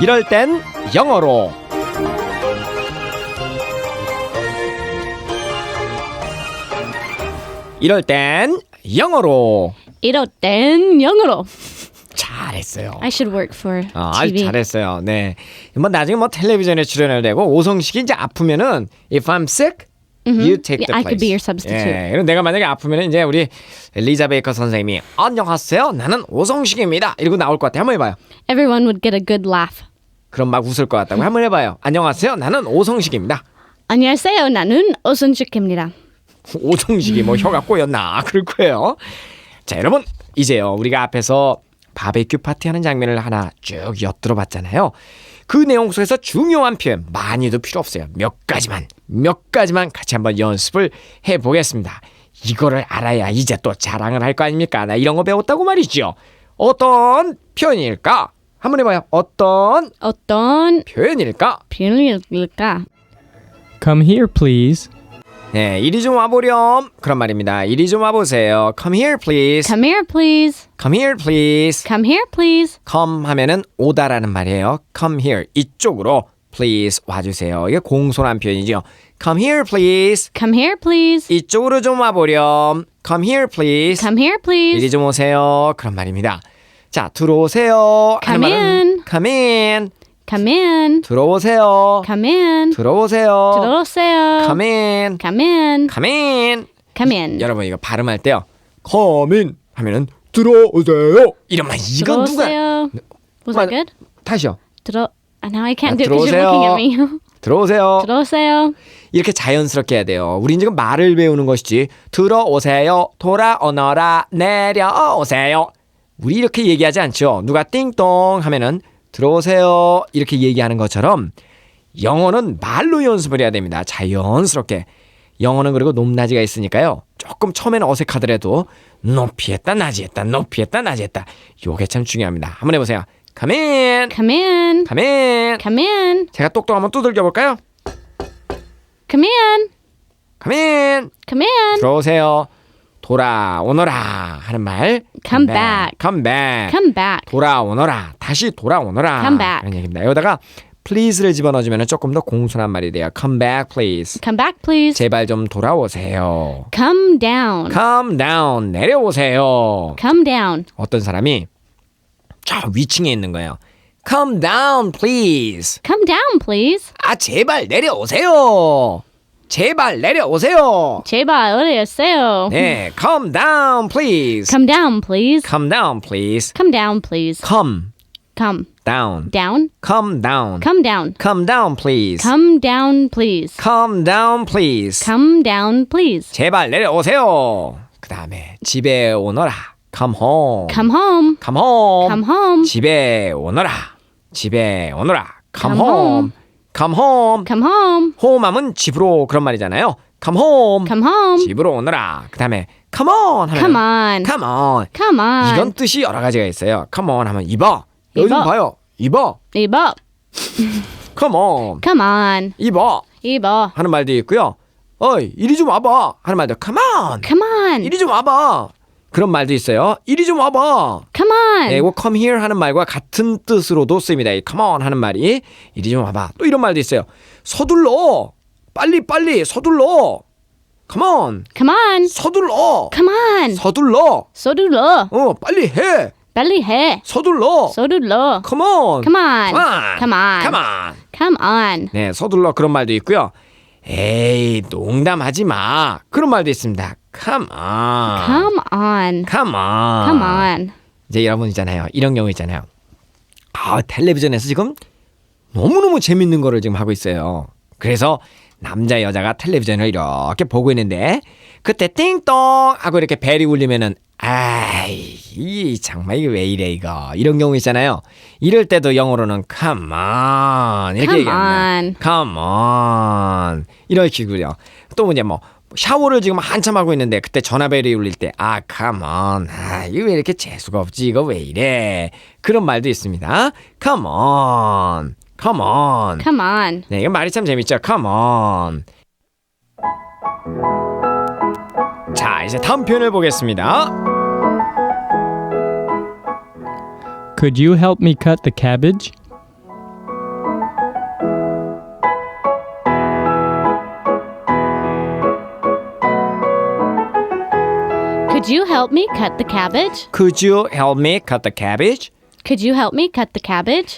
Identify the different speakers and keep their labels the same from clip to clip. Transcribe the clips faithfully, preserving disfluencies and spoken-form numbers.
Speaker 1: 이럴 땐 영어로. 이럴 땐 영어로.
Speaker 2: 이럴 땐 영어로.
Speaker 1: 잘했어요.
Speaker 2: I should work for
Speaker 1: 어, 아주
Speaker 2: 티비.
Speaker 1: 잘했어요. 네. 뭐 나중에 뭐 텔레비전에 출연을 되고 오성식이 이제 아프면은 if I'm sick, you take the
Speaker 2: Yeah, I
Speaker 1: place.
Speaker 2: could be your substitute.
Speaker 1: 예, 그럼 내가 만약에 아프면은 이제 우리 리자 베이커 선생님이 안녕하세요. 나는 오성식입니다. 이러고 나올 것 같아. 한번 해봐요.
Speaker 2: Everyone would get a good laugh.
Speaker 1: 그럼 막 웃을 것 같다고. 한번 해봐요. 안녕하세요. 나는 오성식입니다.
Speaker 2: 안녕하세요. 나는 오순식입니다.
Speaker 1: 오성식이 뭐 혀가 꼬였나 그럴 거예요. 자, 여러분 이제요 우리가 앞에서 바베큐 파티하는 장면을 하나 쭉 엿들어 봤잖아요. 그 내용 속에서 중요한 표현 많이도 필요 없어요. 몇 가지만 몇 가지만 같이 한번 연습을 해보겠습니다. 이거를 알아야 이제 또 자랑을 할 거 아닙니까? 나 이런 거 배웠다고 말이죠. 어떤 표현일까? 한번 해봐요. 어떤
Speaker 2: 어떤
Speaker 1: 표현일까?
Speaker 2: 표현일까?
Speaker 3: Come here, please.
Speaker 1: 네, 이리 좀 와보렴. 그런 말입니다. 이리 좀 와보세요. Come here, please.
Speaker 2: Come here, please.
Speaker 1: Come here, please.
Speaker 2: Come here, please.
Speaker 1: come 하면은 오다라는 말이에요. come here 이쪽으로 please 와주세요. 이게 공손한 표현이죠. come here, please.
Speaker 2: Come here, please.
Speaker 1: 이쪽으로 좀 와보렴. come here, please.
Speaker 2: Come here, please.
Speaker 1: 이리 좀 오세요. 그런 말입니다. 자, 들어오세요. 하는
Speaker 2: Come
Speaker 1: 말은
Speaker 2: in.
Speaker 1: come in.
Speaker 2: Come in.
Speaker 1: 들어오세요.
Speaker 2: Come in.
Speaker 1: 들어오세요.
Speaker 2: 들어오세요.
Speaker 1: come in.
Speaker 2: Come in.
Speaker 1: come in.
Speaker 2: Come in.
Speaker 1: 여러분 이거 발음할 때요. come in 하면은 들어오세요. 이러면 이건 누가
Speaker 2: 들어오세요. Was that good?
Speaker 1: 다시요.
Speaker 2: 들어. Now I can't
Speaker 1: 자,
Speaker 2: do it because you're looking at me.
Speaker 1: 들어오세요.
Speaker 2: 들어오세요.
Speaker 1: 이렇게 자연스럽게 해야 돼요. 우린 지금 말을 배우는 것이지. 들어오세요. 돌아오너라. 내려오세요. 우리 이렇게 얘기하지 않죠. 누가 띵동 하면은 들어오세요. 이렇게 얘기하는 것처럼 영어는 말로 연습을 해야 됩니다. 자연스럽게. 영어는 그리고 높낮이가 있으니까요. 조금 처음에는 어색하더라도 높이 했다 낮이 했다 높이 했다 낮이 했다. 요게 참 중요합니다. 한번 해보세요. Come in.
Speaker 2: Come in.
Speaker 1: Come in.
Speaker 2: Come in.
Speaker 1: 제가 똑똑 한번 두들겨 볼까요?
Speaker 2: Come in.
Speaker 1: Come in.
Speaker 2: Come in.
Speaker 1: 들어오세요. 돌아오너라 하는 말.
Speaker 2: Come back.
Speaker 1: Come back.
Speaker 2: Come back.
Speaker 1: 돌아오너라. 다시 돌아오너라.
Speaker 2: Come back.
Speaker 1: 그런 얘기입니다. 여기다가 please를 집어넣어주면 조금 더 공손한 말이 돼요. Come back, please.
Speaker 2: Come back, please.
Speaker 1: 제발 좀 돌아오세요.
Speaker 2: Come down.
Speaker 1: Come down. 내려오세요.
Speaker 2: Come down.
Speaker 1: 어떤 사람이 저 위층에 있는 거예요. Come down, please.
Speaker 2: Come down, please.
Speaker 1: 아, 제발 내려오세요. 제발 내려오세요.
Speaker 2: 제발 어디 있어요?
Speaker 1: 네, come down, please.
Speaker 2: Come down, please.
Speaker 1: Come down, please.
Speaker 2: Come down, please.
Speaker 1: Come
Speaker 2: Come
Speaker 1: down.
Speaker 2: down.
Speaker 1: Come down.
Speaker 2: Come down.
Speaker 1: Come down, please.
Speaker 2: Come down, please.
Speaker 1: Come down, please.
Speaker 2: Come down, please.
Speaker 1: 제발 내려오세요. 그 다음에 집에 오너라. Come home.
Speaker 2: Come home.
Speaker 1: Come home.
Speaker 2: Come home.
Speaker 1: 집에 오너라. 집에 오너라. Come,
Speaker 2: Come
Speaker 1: home.
Speaker 2: home.
Speaker 1: Come home.
Speaker 2: Come home.
Speaker 1: home 하면 집으로 그런 말이잖아요. Come home.
Speaker 2: Come home.
Speaker 1: 집으로 오너라. 그 다음에 come on 하면
Speaker 2: Come on.
Speaker 1: come on.
Speaker 2: Come on.
Speaker 1: 이건 뜻이 여러 가지가 있어요. Come on 하면 입어. 여기 좀
Speaker 2: 입어.
Speaker 1: 봐요. 입어.
Speaker 2: 입어.
Speaker 1: Come on.
Speaker 2: Come on.
Speaker 1: 입어.
Speaker 2: 입어.
Speaker 1: 하는 말도 있고요. 어이, 이리 좀 와봐. 하는 말도 come on.
Speaker 2: Come on.
Speaker 1: 이리 좀 와봐. 그런 말도 있어요. 이리 좀 와봐.
Speaker 2: Come on.
Speaker 1: 네, 이거 come here 하는 말과 같은 뜻으로도 쓰입니다. 이 come on 하는 말이 이리 좀 와봐. 또 이런 말도 있어요. 서둘러. 빨리 빨리 서둘러. Come on.
Speaker 2: Come on.
Speaker 1: 서둘러.
Speaker 2: Come on.
Speaker 1: 서둘러.
Speaker 2: 서둘러.
Speaker 1: 어, 빨리 해.
Speaker 2: 빨리 해.
Speaker 1: 서둘러.
Speaker 2: 서둘러.
Speaker 1: Come on.
Speaker 2: Come on.
Speaker 1: Come on.
Speaker 2: Come on.
Speaker 1: Come on.
Speaker 2: Come on.
Speaker 1: 네, 서둘러 그런 말도 있고요. 에이, 농담하지 마. 그런 말도 있습니다. Come on.
Speaker 2: Come on.
Speaker 1: Come on.
Speaker 2: Come on.
Speaker 1: 이제 여러분 있잖아요. 이런 경우 있잖아요. 아, 텔레비전에서 지금 너무너무 재밌는 거를 지금 하고 있어요. 그래서 남자 여자가 텔레비전을 이렇게 보고 있는데 그때 띵동 하고 이렇게 벨이 울리면은 아이, 이 정말 이게 왜 이래 이거. 이런 경우 있잖아요. 이럴 때도 영어로는 come on 이렇게
Speaker 2: Come
Speaker 1: 얘기합니다.
Speaker 2: on.
Speaker 1: come on 이런 식으로요. 또 이제 뭐 샤워를 지금 한참 하고 있는데 그때 전화벨이 울릴 때 아 come on 아 이거 왜 이렇게 재수가 없지 이거 왜 이래 그런 말도 있습니다. come on come on
Speaker 2: Come on.
Speaker 1: 네, 이거 말이 참 재밌죠. come on. 자, 이제 다음 표현을 보겠습니다.
Speaker 3: Could you help me cut the cabbage?
Speaker 2: Could you help me cut the cabbage?
Speaker 1: Could you help me cut the cabbage?
Speaker 2: Could you help me cut the cabbage?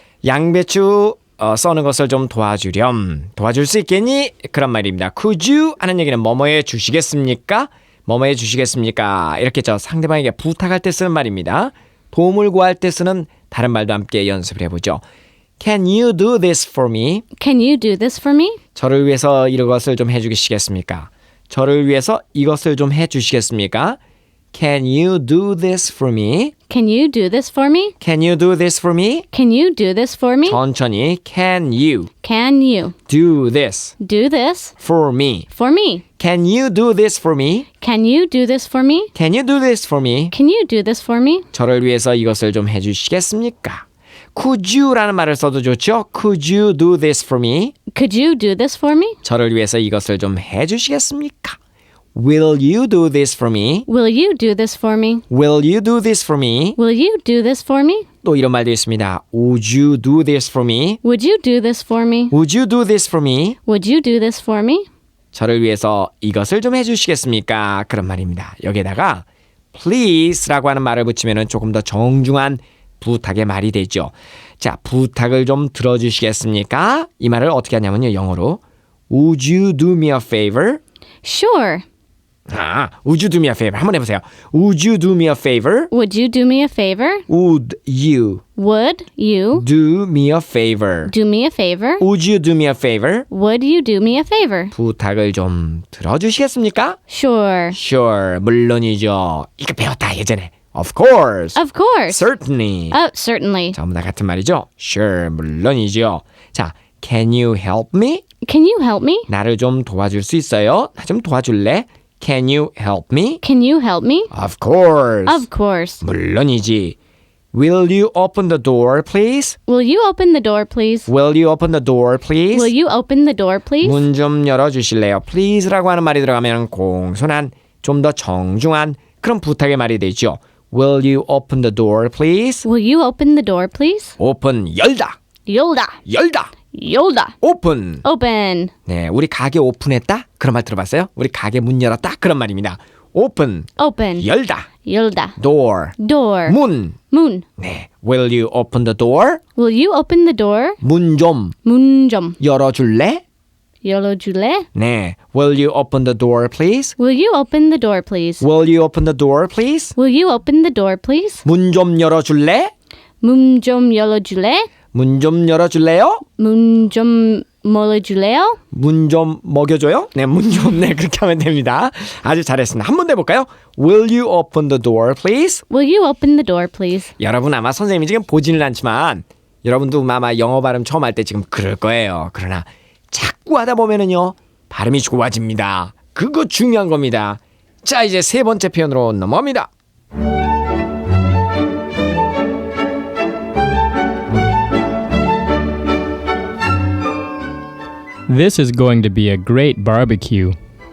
Speaker 1: 양배추 어, 써는 것을 좀 도와주렴. 도와줄 수 있겠니? 그런 말입니다. Could you 하는 얘기는 뭐뭐해 주시겠습니까? 뭐뭐해 주시겠습니까? 이렇게 저 상대방에게 부탁할 때 쓰는 말입니다. 도움을 구할 때 쓰는 다른 말도 함께 연습을 해보죠. Can you do this for me?
Speaker 2: Can you do this for me?
Speaker 1: 저를 위해서 이것을 좀 해주시겠습니까? 저를 위해서 이것을 좀 해주시겠습니까? Can you do this for me?
Speaker 2: Can you do this for me?
Speaker 1: Can you do this for me?
Speaker 2: Can you do this for me?
Speaker 1: 천천히 Can you
Speaker 2: Can you
Speaker 1: do this
Speaker 2: do this
Speaker 1: for me?
Speaker 2: for me?
Speaker 1: Can you do this for me?
Speaker 2: Can you do this for me?
Speaker 1: Can you do this for me?
Speaker 2: Can you do this for me?
Speaker 1: 저를 위해서 이것을 좀 해주시겠습니까? Could you라는 말을 써도 좋죠? Could you do this for me?
Speaker 2: Could you do this for me?
Speaker 1: 저를 위해서 이것을 좀 해주시겠습니까? Will you do this for me?
Speaker 2: Will you do this for me?
Speaker 1: Will you do this for me?
Speaker 2: Will you do this for me?
Speaker 1: 또 이런 말도 있습니다. Would you do this for me?
Speaker 2: Would you do this for me?
Speaker 1: Would you do this for me?
Speaker 2: Would you do this for me?
Speaker 1: 저를 위해서 이것을 좀 해주시겠습니까? 그런 말입니다. 여기에다가 please라고 하는 말을 붙이면 조금 더 정중한 부탁의 말이 되죠. 자, 부탁을 좀 들어주시겠습니까? 이 말을 어떻게 하냐면요. 영어로 Would you do me a favor?
Speaker 2: Sure.
Speaker 1: 아, would you do me a favor? 한번 해보세요. Would you do me a favor?
Speaker 2: Would you do me a favor?
Speaker 1: Would you
Speaker 2: Would you
Speaker 1: do me a favor?
Speaker 2: do me a favor?
Speaker 1: Would you do me a favor?
Speaker 2: Would you do me a favor?
Speaker 1: 부탁을 좀 들어주시겠습니까?
Speaker 2: Sure.
Speaker 1: Sure, 물론이죠. 이거 배웠다 예전에. Of course.
Speaker 2: Of course.
Speaker 1: Certainly.
Speaker 2: Oh, certainly.
Speaker 1: 전부 다 같은 말이죠. Sure, 물론이죠. 자, can you help me?
Speaker 2: Can you help me?
Speaker 1: 나를 좀 도와줄 수 있어요? 나 좀 도와줄래? Can you help me?
Speaker 2: Can you help me?
Speaker 1: Of course.
Speaker 2: Of course.
Speaker 1: 물론이지. Will you open the door, please?
Speaker 2: Will you open the door, please?
Speaker 1: Will you open the door, please?
Speaker 2: Will you open the door, please?
Speaker 1: 문 좀 열어주실래요? Please라고 하는 말이 들어가면 공손한, 좀 더 정중한 그런 부탁의 말이 되죠. Will you open the door, please?
Speaker 2: Will you open the door, please?
Speaker 1: 오픈, 열다.
Speaker 2: Yolda.
Speaker 1: 열다.
Speaker 2: Yolda.
Speaker 1: 오픈.
Speaker 2: Open.
Speaker 1: 네, 우리 가게 오픈했다? 그런 말 들어봤어요? 우리 가게 문 열었다? 그런 말입니다. 오픈,
Speaker 2: Open.
Speaker 1: 열다.
Speaker 2: Yolda.
Speaker 1: door,
Speaker 2: Door.
Speaker 1: 문.
Speaker 2: Moon.
Speaker 1: 네, will you open the door?
Speaker 2: Will you open the door?
Speaker 1: 문 좀
Speaker 2: Moon 좀
Speaker 1: 열어줄래?
Speaker 2: 열어줄래?
Speaker 1: 네, will you open the door, please?
Speaker 2: Will you open the door, please?
Speaker 1: Will you open the door, please?
Speaker 2: Will you open the door, please?
Speaker 1: 문 좀 열어줄래?
Speaker 2: 문 좀 열어줄래?
Speaker 1: 문 좀 열어줄래요?
Speaker 2: 문 좀 열어줄래요?
Speaker 1: 문 좀 먹여줘요? 네, 문 좀, 네, 그렇게 하면 됩니다. 아주 잘했습니다. 한 번 더 해볼까요? Will you open the door, please?
Speaker 2: Will you open the door, please?
Speaker 1: 여러분 아마 선생님이 지금 보지는 않지만 여러분도 아마 영어 발음 처음 할 때 지금 그럴 거예요. 그러나 자꾸 하다 보면은요, 발음이 좋아집니다. 그거 중요한 겁니다. 자, 이제 세 번째 표현으로 넘어갑니다.
Speaker 3: This is going to be a great barbecue.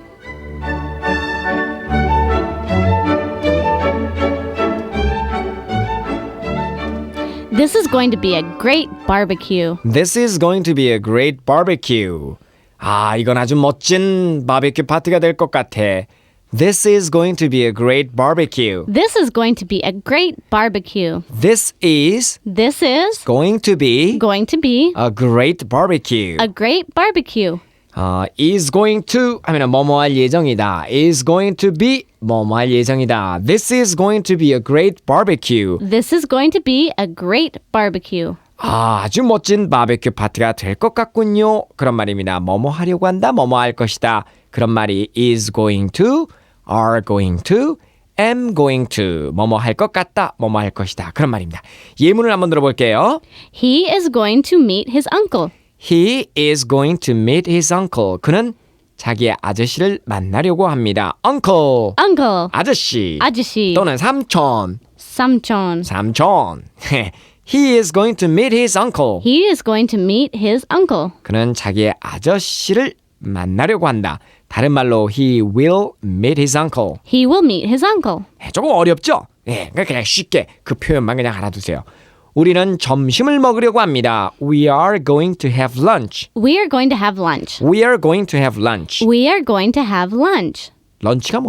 Speaker 2: This is going to be a great barbecue.
Speaker 1: This is going to be a great barbecue. 아, 이건 아주 멋진 바베큐 파티가 될 것 같아. This is going to be a great barbecue.
Speaker 2: This is going to be a great barbecue.
Speaker 1: This is
Speaker 2: This is
Speaker 1: going to be
Speaker 2: going to be
Speaker 1: a great barbecue.
Speaker 2: a great barbecue.
Speaker 1: 어, is going to 하면 뭐뭐 할 예정이다. is going to be 뭐뭐 할 예정이다. This is going to be a great barbecue.
Speaker 2: This is going to be a great barbecue.
Speaker 1: 아, 아주 멋진 바베큐 파티가 될 것 같군요. 그런 말입니다. 뭐뭐 하려고 한다. 뭐뭐 할 것이다. 그런 말이 is going to, are going to, am going to. 뭐뭐 할 것 같다. 뭐뭐 할 것이다. 그런 말입니다. 예문을 한번 들어볼게요.
Speaker 2: He is going to meet his uncle.
Speaker 1: He is going to meet his uncle. 그는 자기의 아저씨를 만나려고 합니다. Uncle.
Speaker 2: Uncle.
Speaker 1: 아저씨.
Speaker 2: 아저씨.
Speaker 1: 또는 삼촌.
Speaker 2: 삼촌.
Speaker 1: 삼촌. He is going to meet his uncle.
Speaker 2: He is going to meet his uncle.
Speaker 1: 그는 자기의 아저씨를 만나려고 한다. 다른 말로 he will meet his uncle.
Speaker 2: He will meet his uncle.
Speaker 1: 조금 어렵죠? 예, 그러니까 그냥 쉽게 그 표현만 그냥 알아두세요. 우리는 점심을 먹으려고 합니다. We are going to have lunch.
Speaker 2: We are going to have lunch.
Speaker 1: We are going to have lunch.
Speaker 2: We are going to have lunch.
Speaker 1: 런치가 뭐죠?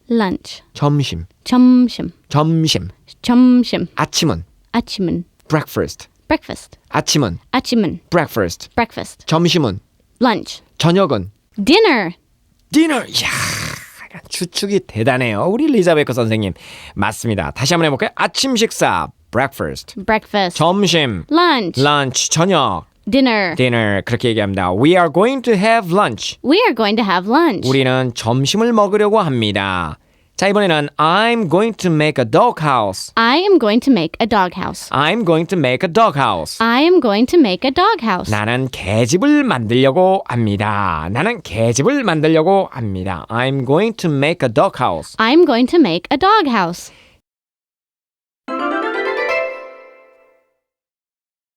Speaker 2: lunch.
Speaker 1: 점심,
Speaker 2: 점심.
Speaker 1: 점심.
Speaker 2: 점심.
Speaker 1: 아침은
Speaker 2: 아침은
Speaker 1: breakfast.
Speaker 2: breakfast.
Speaker 1: 아침은
Speaker 2: 아침은
Speaker 1: breakfast.
Speaker 2: breakfast.
Speaker 1: 점심은
Speaker 2: lunch.
Speaker 1: 저녁은
Speaker 2: dinner.
Speaker 1: dinner. 이야, 추측이 대단해요. 우리 리자베크 선생님. 맞습니다. 다시 한번 해볼까요? 아침 식사 breakfast.
Speaker 2: breakfast.
Speaker 1: 점심
Speaker 2: lunch.
Speaker 1: lunch. 저녁
Speaker 2: dinner.
Speaker 1: dinner. 그렇게 얘기합니다. We are going to have lunch.
Speaker 2: We are going to have lunch.
Speaker 1: 우리는 점심을 먹으려고 합니다. 자, 이번에는 I'm going to make a doghouse.
Speaker 2: I am going to make a doghouse.
Speaker 1: I'm going to make a doghouse.
Speaker 2: I am going to make a doghouse.
Speaker 1: 나는 개집을 만들려고 합니다. 나는 개집을 만들려고 합니다. I'm going to make a doghouse.
Speaker 2: I'm going to make a doghouse.